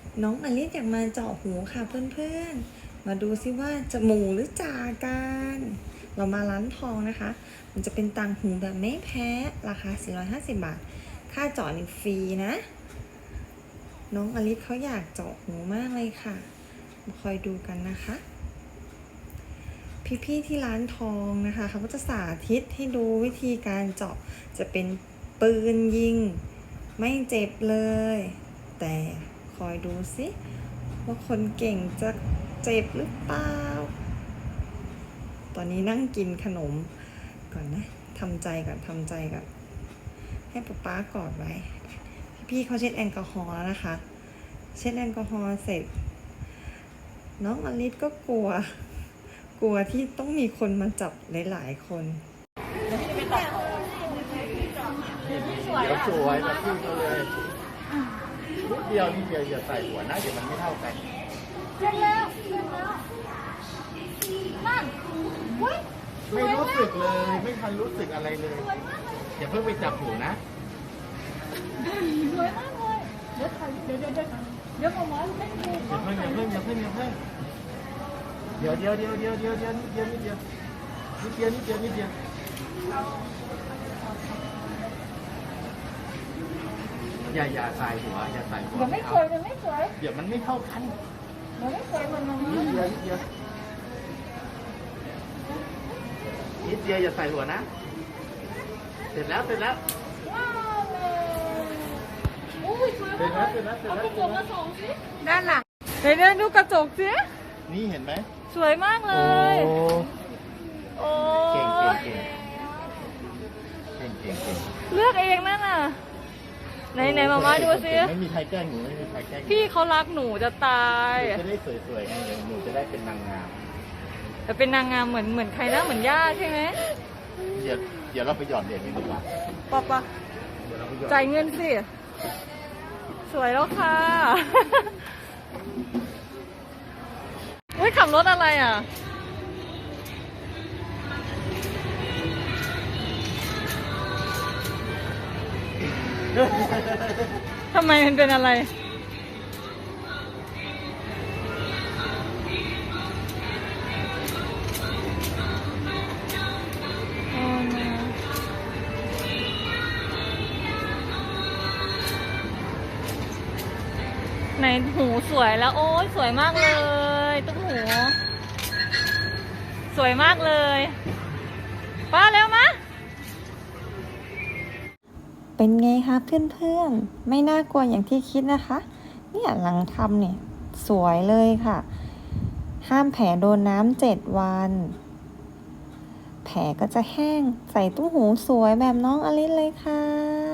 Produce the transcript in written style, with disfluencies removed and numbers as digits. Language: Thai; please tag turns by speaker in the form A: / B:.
A: น้องอลิซอยากมาเจาะหูค่ะเพื่อนๆมาดูซิว่าจะหมูหรือจ่ากันเรามาร้านทองนะคะ มันจะเป็นต่างหูแบบไม่แพ้ราคา450 บาทค่าเจาะนี่ฟรีนะน้องอลิซเขาอยากเจาะหูมากเลยค่ะมาคอยดูกันนะคะพี่ๆที่ร้านทองนะคะเขาก็จะสาธิตให้ดูวิธีการเจาะจะเป็นปืนยิงไม่เจ็บเลยแต่คอยดูสิว่าคนเก่งจะเจ็บหรือเปล่าตอนนี้นั่งกินขนมก่อนนะทำใจก่อนให้ป๊ากอดไว้พี่เขาเช็ดแอลกอฮอล์แล้วนะคะเช็ดแอลกอฮอล์เสร็จน้องอลิซก็กลัวที่ต้องมีคนมาจับหลายๆคน
B: เดี๋ยวสวยแบบพี่เขาเลยนิดเดียวอย่าใส่หัวนะเดี๋ยวมันไม่เท่ากัน
C: เสร็จแล้วนั่น
B: ไม่รู้สึกเลยไม่ทันรู้สึกอะไรเลยอย่าเพิ่งไปจับหูนะ
C: สวยมากเลยเดี๋ยวผมว่าเล่นดู
B: อย่าเพิ่งเดี๋ยวนิดเดียวอย่าใส่หัว
C: เดี๋ยวไม่สวยเ
B: ดี๋ยวมันไม่เท่ากัน
C: เดี๋ยวไม่สวยมัน
B: นิดเดียวอย่าใส่หัวนะเสร็จแล้ว
C: ว้าวเลยอุ้ยสวยมากเอากระจกมาส่องสิด้านหลังเดี๋ยวดูกระจกสิ
B: นี่เห็นไหม
C: สวยมากเลยโอ้
B: เก่ง
C: เลือกเองนั่นน่ะไหนมาดูสิ
B: ไม่มีใครแกล้งหนู
C: พี่เขารักหนูจะตาย
B: จะได้สวยๆไงหนูจะได้เป็นนางงาม
C: แต่เป็นนางงามเหมือนใครนะเหมือนย่าใช่ไหม
B: เดี๋ยวเราไปหยอดเหรียญกันดีกว่า
C: ปะจ่ายเงินสิสวยแล้วค่ะอุ้ยขับรถอะไรอ่ะทำไมมันเป็นอะไรไหนหูสวยแล้วโอ้ยสวยมากเลยตุ้มหูสวยมากเลยป้าเร็วมา
A: เป็นไงคะเพื่อนๆไม่น่ากลัวอย่างที่คิดนะคะเนี่ยหลังทำเนี่ยสวยเลยค่ะห้ามแผลโดนน้ำ7 วันแผลก็จะแห้งใส่ตุ้มหูสวยแบบน้องอลิซเลยค่ะ